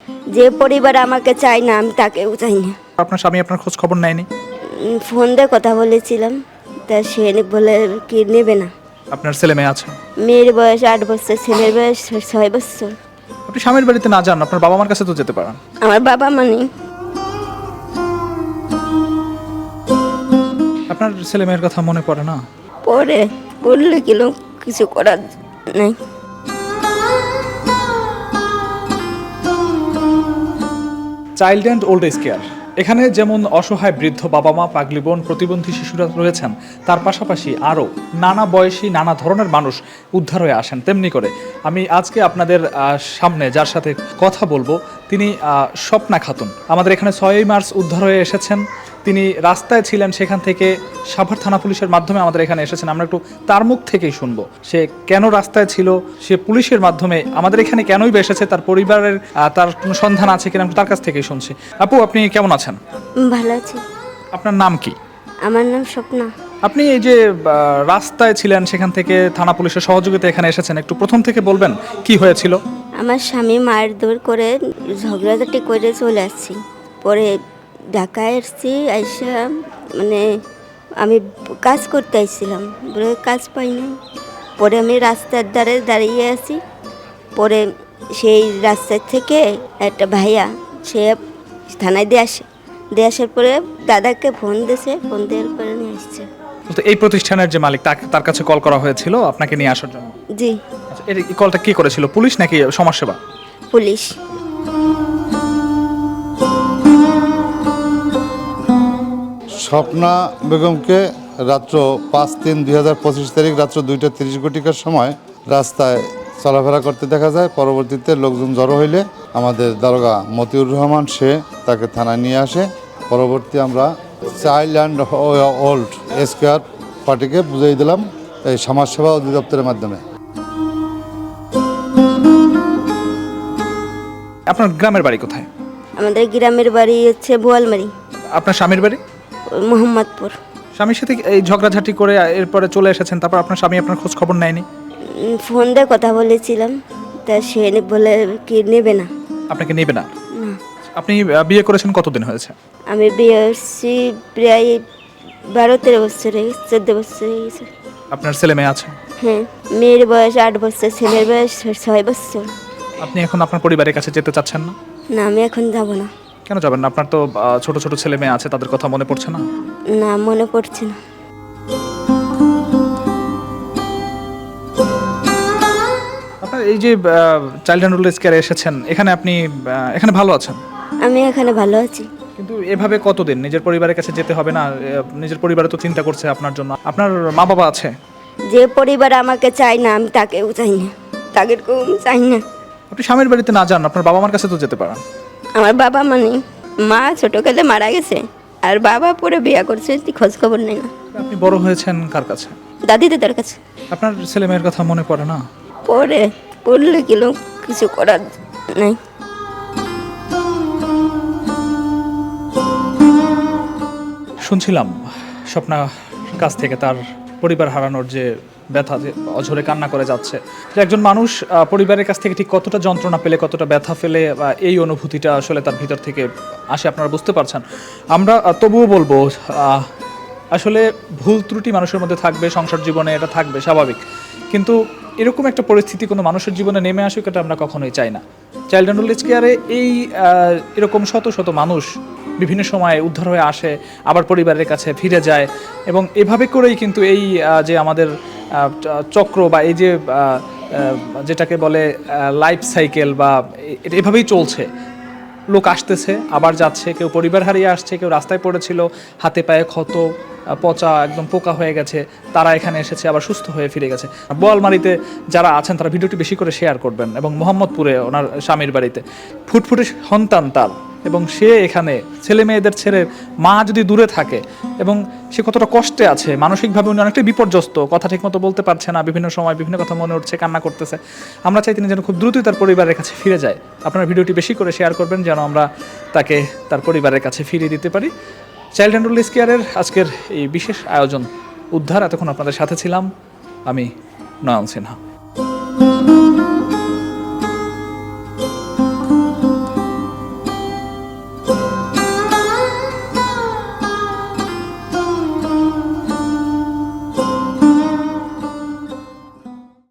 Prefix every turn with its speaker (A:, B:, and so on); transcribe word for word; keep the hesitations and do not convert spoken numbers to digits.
A: যে পরিবার আমাকে চায় না আমি তাকেও চাই না।
B: আপনার স্বামী আপনার খোঁজ খবর নেয়নি?
A: উম, ফোন দিয়ে কথা বলেছিলাম, তা সে বলে কি নেবে না।
B: আপনার ছেলে মেয়ে আছে?
A: মেয়ের বয়স আট বছর, ছেলের বয়স ছয় বছর।
B: আপনি স্বামীর বাড়িতে না যান, আপনার বাবা মার কাছে তো যেতে পারেন।
A: আমার বাবা মানে
B: আপনার ছেলে মেয়ের কথা মনে পড়ে না?
A: পরে পড়লে কিলো কিছু করার নাই।
B: Child and old age care, এখানে যেমন অসহায় বৃদ্ধ বাবা মা, পাগলি বোন, প্রতিবন্ধী শিশুরা রয়েছেন, তার পাশাপাশি আরও নানা বয়সী নানা ধরনের মানুষ উদ্ধার হয়ে আসেন। তেমনি করে আমি আজকে আপনাদের সামনে যার সাথে কথা বলবো তিনি স্বপ্না খাতুন। আমাদের এখানে ছয়ই মার্চ উদ্ধার হয়ে এসেছেন। তিনি রাস্তায় ছিলেন, সেখান থেকে সাভার থানা পুলিশের মাধ্যমে আমাদের এখানে এসেছেন। আমরা একটু তার মুখ থেকেই শুনবো সে কেন রাস্তায় ছিল, সে পুলিশের মাধ্যমে আমাদের এখানে কেনই বা এসেছে, তার পরিবারের তার কোনো সন্ধান আছে কিনা তার কাছ থেকেই শুনছি। আপু, আপনি কেমন আছেন?
A: ভালো আছি।
B: আপনার নাম কি?
A: আমার নাম স্বপ্না।
B: আপনি এই যে রাস্তায় ছিলেন, সেখান থেকে থানা পুলিশের সহযোগিতা এখানে এসেছেন, একটু প্রথম থেকে বলবেন কি হয়েছিল?
A: আমার স্বামী মায়ের দৌড় করে ঝগড়াঝাটি করে চলে আসছি। পরে ঢাকায় এসছি, আইসা মানে আমি কাজ করতে আসছিলাম, বলে কাজ পাইনি। পরে আমি রাস্তার ধারে দাঁড়িয়ে আছি। পরে সেই রাস্তার থেকে একটা ভাইয়া সে থানায় দিয়ে আসে, দিয়ে আসার পরে দাদাকে ফোন দিয়েছে, ফোন দেওয়ার পরে নিয়ে আসছে।
B: তো এই প্রতিষ্ঠানের যে মালিক, তার কাছে কল করা হয়েছিল আপনাকে নিয়ে আসার জন্য?
A: জি।
B: আচ্ছা, এই কলটা কি করেছিল, পুলিশ নাকি সমাজসেবা?
A: পুলিশ।
C: স্বপ্না বেগমকে রাত্র পাঁচ তিন দুই হাজার পঁচিশ তারিখ রাত্র দুইটা তিরিশ ঘটিকার সময় রাস্তায় চলাফেরা করতে দেখা যায়। পরবর্তীতে লোকজন জড়ো হইলে আমাদের দারোগা মতিউর রহমান সে তাকে থানায় নিয়ে আসে। পরবর্তী আমরা child and old age care পার্টিকে বুঝিয়ে দিলাম এই সমাজসেবা অধিদপ্তরের মাধ্যমে।
B: আপনার গ্রামের বাড়ি কোথায়?
A: আমাদের গ্রামের বাড়ি হচ্ছে বোয়ালমারি।
B: আপনার স্বামীর বাড়ি?
A: মোহাম্মদপুর।
B: স্বামীর সাথে এই ঝগড়াঝাটি করে এরপরে চলে এসেছেন, তারপর আপনার স্বামী আপনার খোঁজ খবর নেয়নি?
A: উম, ফোন দিয়ে কথা বলেছিলাম, তা সে বলে কি নেবে না।
B: আপনাকে নেবে না?
A: না।
B: আপনি বিয়ে করেছেন কতদিন হয়েছে?
A: আমি বিয়ে করছি প্রায় বারো তেরো বছর হয়ে গেছে, চোদ্দ বছর হয়ে গেছে।
B: আপনার ছেলে মেয়ে আছে?
A: হ্যাঁ, মেয়ের বয়স আট বছর, ছেলের বয়স ছয় বছর।
B: আপনি এখন আপনার পরিবারের কাছে যেতে চাচ্ছেন না?
A: না, আমি এখন যাব না।
B: কেন যাবেন না? আপনার তো আহ, ছোট ছোট ছেলে মেয়ে আছে, তাদের কথা মনে পড়ছে না?
A: না, মনে পড়ছে না।
B: আপনার এই যে চাইল্ড অ্যান্ড ওল্ড এজ কেয়ারে এসেছেন, এখানে আপনি আহ, এখানে ভালো আছেন?
A: আমি এখানে ভালো আছি।
B: কিন্তু এভাবে কতদিন নিজের পরিবারের কাছে যেতে হবে না? এ, নিজের পরিবারে তো চিন্তা করছে আপনার জন্য। আপনার মা বাবা আছে?
A: যে পরিবার আমাকে চায় না আমি তাকেও চাই না, তাদেরকেও আমি চাই না।
B: আপনি স্বামীর বাড়িতে না যান, আপনার বাবা মার কাছে তো যেতে পারেন।
A: আমার বাবা মানে মা ছোটকালে মারা গেছে, আর বাবা পরে বিয়ে করছে, খোঁজ খবর নেই না।
B: আপনি বড় হয়েছেন কার কাছে?
A: দাদি দাদার কাছে।
B: আপনার ছেলে মেয়ের কথা মনে পড়ে না?
A: পরে পড়লে কিলো কিছু করার নাই।
B: শুনছিলাম স্বপ্না কাছ থেকে তার পরিবার হারানোর যে ব্যথা, যে অঝরে কান্না করে যাচ্ছে, যে একজন মানুষ আহ, পরিবারের কাছ থেকে ঠিক কতটা যন্ত্রণা পেলে, কতটা ব্যথা ফেলে বা এই অনুভূতিটা আসলে তার ভিতর থেকে আসে, আপনারা বুঝতে পারছেন। আমরা আহ, তবুও বলবো আহ, আসলে ভুল ত্রুটি মানুষের মধ্যে থাকবে, সংসার জীবনে এটা থাকবে স্বাভাবিক, কিন্তু এরকম একটা পরিস্থিতি কোনো মানুষের জীবনে নেমে আসুক এটা আমরা কখনোই চাই না। চাইল্ড অ্যান্ড ওল্ড এজ কেয়ারে এই আহ, এরকম শত শত মানুষ বিভিন্ন সময় উদ্ধার হয়ে আসে, আবার পরিবারের কাছে ফিরে যায়, এবং এভাবে করেই কিন্তু এই আহ, যে আমাদের আহ, চক্র বা এই যে আহ, আহ, যেটাকে বলে লাইফ সাইকেল বা এ- এভাবেই চলছে। লোক আসতেছে আবার যাচ্ছে, কেউ পরিবার হারিয়ে আসছে, কেউ রাস্তায় পড়েছিল, হাতে পায়ে ক্ষত, আহ, পচা একদম পোকা হয়ে গেছে, তারা এখানে এসেছে আবার সুস্থ হয়ে ফিরে গেছে। বোয়ালমারিতে যারা আছেন তারা ভিডিওটি বেশি করে শেয়ার করবেন, এবং মোহাম্মদপুরে ওনার স্বামীর বাড়িতে ফুটফুটে সন্তান তার, এবং সে এখানে ছেলে মেয়েদের ছেড়ে মা যদি দূরে থাকে এবং সে কতটা কষ্টে আছে, মানসিকভাবে উনি অনেকটাই বিপর্যস্ত, কথা ঠিকমতো বলতে পারছে না, বিভিন্ন সময় বিভিন্ন কথা মনে উঠছে, কান্না করতেছে। আমরা চাই তিনি যেন খুব দ্রুতই তার পরিবারের কাছে ফিরে যায়। আপনারা ভিডিওটি বেশি করে শেয়ার করবেন যেন আমরা তাকে তার পরিবারের কাছে ফিরিয়ে দিতে পারি। চাইল্ড অ্যান্ড ওল্ড এজ কেয়ারের আজকের এই বিশেষ আয়োজন উদ্ধার, এতক্ষণ আপনাদের সাথে ছিলাম আমি, নয়ন সিনহা।